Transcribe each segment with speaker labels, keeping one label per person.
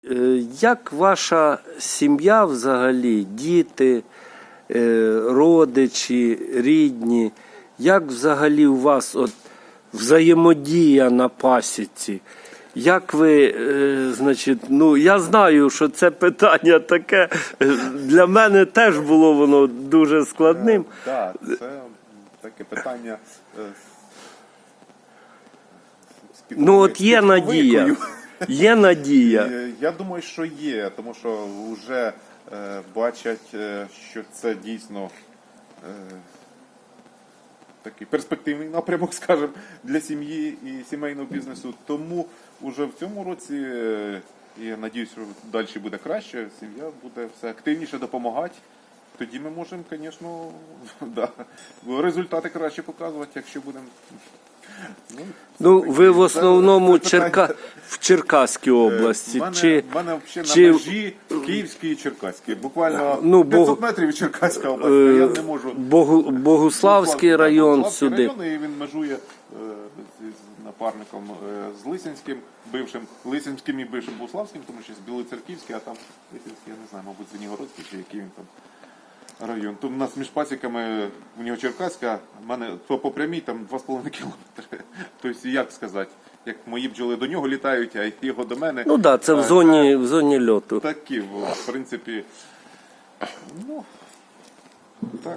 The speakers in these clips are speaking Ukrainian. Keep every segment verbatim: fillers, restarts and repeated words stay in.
Speaker 1: Як ваша сім'я взагалі, діти, родичі, рідні, як взагалі у вас от взаємодія на пасіці? Як ви, значить, ну я знаю, що це питання таке, для мене теж було воно дуже складним.
Speaker 2: Так, да, це таке питання.
Speaker 1: Ну от є надія. Є надія.
Speaker 2: Я думаю, що є, тому що вже е, бачать, е, що це дійсно е, такий перспективний напрямок, скажімо, для сім'ї і сімейного бізнесу. Тому вже в цьому році, е, я сподіваюся, що далі буде краще, сім'я буде все активніше допомагати. Тоді ми можемо, звісно, да, результати краще показувати, якщо будемо.
Speaker 1: Ну, ну ви в основному це, це Черка... в Черкаській області.
Speaker 2: В мене,
Speaker 1: чи...
Speaker 2: в мене взагалі
Speaker 1: чи...
Speaker 2: на межі Київської і Черкаської. Буквально
Speaker 1: ну,
Speaker 2: п'ятсот
Speaker 1: Бог...
Speaker 2: метрів від Черкаська область. Е... Я не можу.
Speaker 1: Богу... Богуславський район
Speaker 2: Богуславський
Speaker 1: сюди.
Speaker 2: район, і він межує е... з напарником е... з Лисинським, бившим Лисинським і бившим Богуславським, тому що з Білоцерківський, а там Лисинський, я не знаю, мабуть, Звенігородський чи який він там. Район. Тут у нас між пасіками, у нього Черкаська, в мене по, по прямій там два з половиною кілометри. Тобто, як сказати, як мої бджоли до нього літають, а його до мене.
Speaker 1: Ну так, да, це в зоні, в зоні льоту.
Speaker 2: Такі, в принципі, ну, так.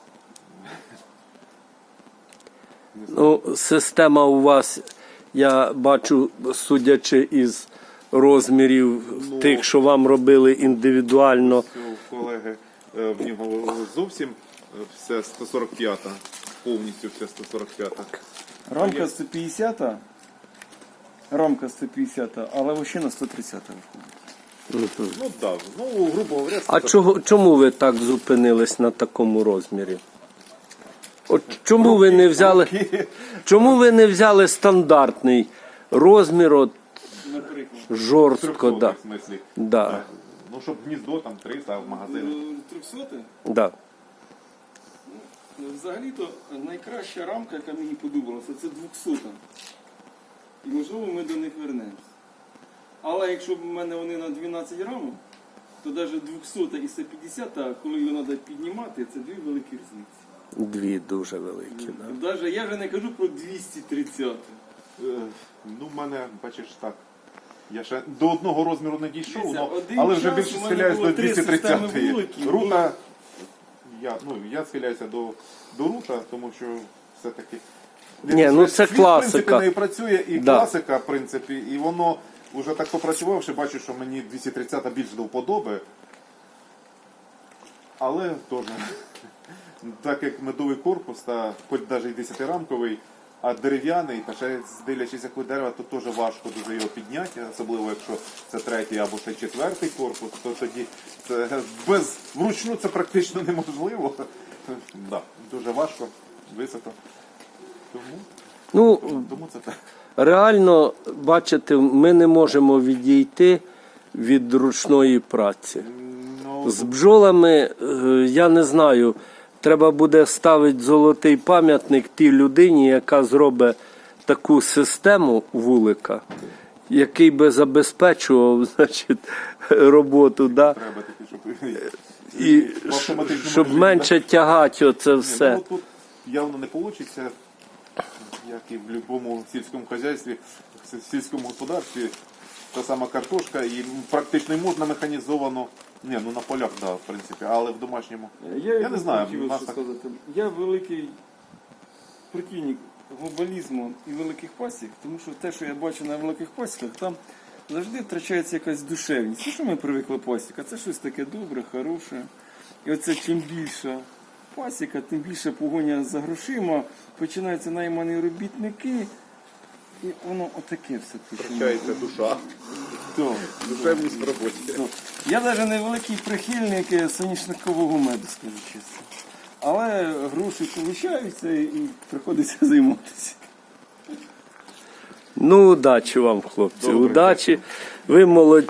Speaker 1: Ну, система у вас, я бачу, судячи із розмірів ну, тих, що вам робили індивідуально.
Speaker 2: Колеги, в нього зовсім все сто сорок п'ята, повністю все сто сорок п'ята.
Speaker 3: Рамка сто п'ятдесята, рамка сто п'ятдесята, але вощина сто тридцята виходить.
Speaker 2: Ну так, ну грубо говоря.
Speaker 1: А чого, чому ви так зупинились на такому розмірі? От чому руки, ви не взяли, руки. Чому ви не взяли стандартний розмір, от, жорстко, да.
Speaker 2: В смислі?
Speaker 1: Да.
Speaker 2: Так. Ну, щоб гніздо там триста, а в магазині.
Speaker 3: трьохсоте?
Speaker 1: Да.
Speaker 3: Ну, взагалі-то найкраща рамка, яка мені подобалася, це двохсота. І можливо ми до них вернемось. Але якщо в мене вони на дванадцять рамок, то навіть двохсота і сто п'ятдесята, коли його треба піднімати, це дві великі різниці.
Speaker 1: Дві дуже великі, да.
Speaker 3: Навіть я вже не кажу про двісті тридцять.
Speaker 2: Ну, в мене, бачиш, так. Я ще до одного розміру не дійшов,
Speaker 3: Дивіться,
Speaker 2: но,
Speaker 3: один
Speaker 2: але вже
Speaker 3: час
Speaker 2: більше
Speaker 3: у мене
Speaker 2: схиляюсь
Speaker 3: було
Speaker 2: до
Speaker 3: три
Speaker 2: двісті тридцятої.
Speaker 3: системи вуликів.
Speaker 2: Рута, я, ну, я схиляюся до, до рута, тому що все-таки...
Speaker 1: Ні, ну це
Speaker 2: світ,
Speaker 1: класика.
Speaker 2: в принципі, не працює, і
Speaker 1: Да.
Speaker 2: класика, в принципі, і воно вже так попрацювавши, бачу, що мені двісті тридцята більш до вподоби. Але теж, так як медовий корпус, та хоч навіть і десятирамковий, а дерев'яний, та ще дивлячись, якого дерева, то теж важко дуже його підняти, особливо якщо це третій або ще четвертий корпус, то тоді це без вручну це практично неможливо. Да, дуже важко, високо. Тому,
Speaker 1: ну,
Speaker 2: тому, тому це так.
Speaker 1: Реально, бачите, ми не можемо відійти від ручної праці.
Speaker 2: Ну,
Speaker 1: з бджолами, я не знаю, треба буде ставити золотий пам'ятник тій людині, яка зробить таку систему вулика, який би забезпечував, значить, роботу, да?
Speaker 2: Треба таки, щоб,
Speaker 1: і щоб менше тягати оце все.
Speaker 2: Ні, ну, тут явно не вийде, як і в будь-якому сільському хазяйстві, в сільському господарстві, та сама картошка, і практично можна механізовано. Ні, ну на полях, так, да, в принципі, але в домашньому.
Speaker 3: Я,
Speaker 2: я не знаю.
Speaker 3: Хотів,
Speaker 2: нас
Speaker 3: що
Speaker 2: так...
Speaker 3: сказати. Я великий прихильник глобалізму і великих пасік, тому що те, що я бачу на великих пасіках, там завжди втрачається якась душевність. Ну, що ми привикли пасіка? Це щось таке добре, хороше. І оце чим більша пасіка, тим більше погоня за грошима, починаються наймані робітники. І воно отаке все.
Speaker 2: Втрачається душа.
Speaker 3: То,
Speaker 2: Душевність в роботі.
Speaker 3: то. Я навіть не великий прихильник соняшникового меду, скажу чесно. Але гроші получаються і приходиться займатися.
Speaker 1: Ну, удачі вам, хлопці,
Speaker 2: Добре.
Speaker 1: удачі. Ви молодці.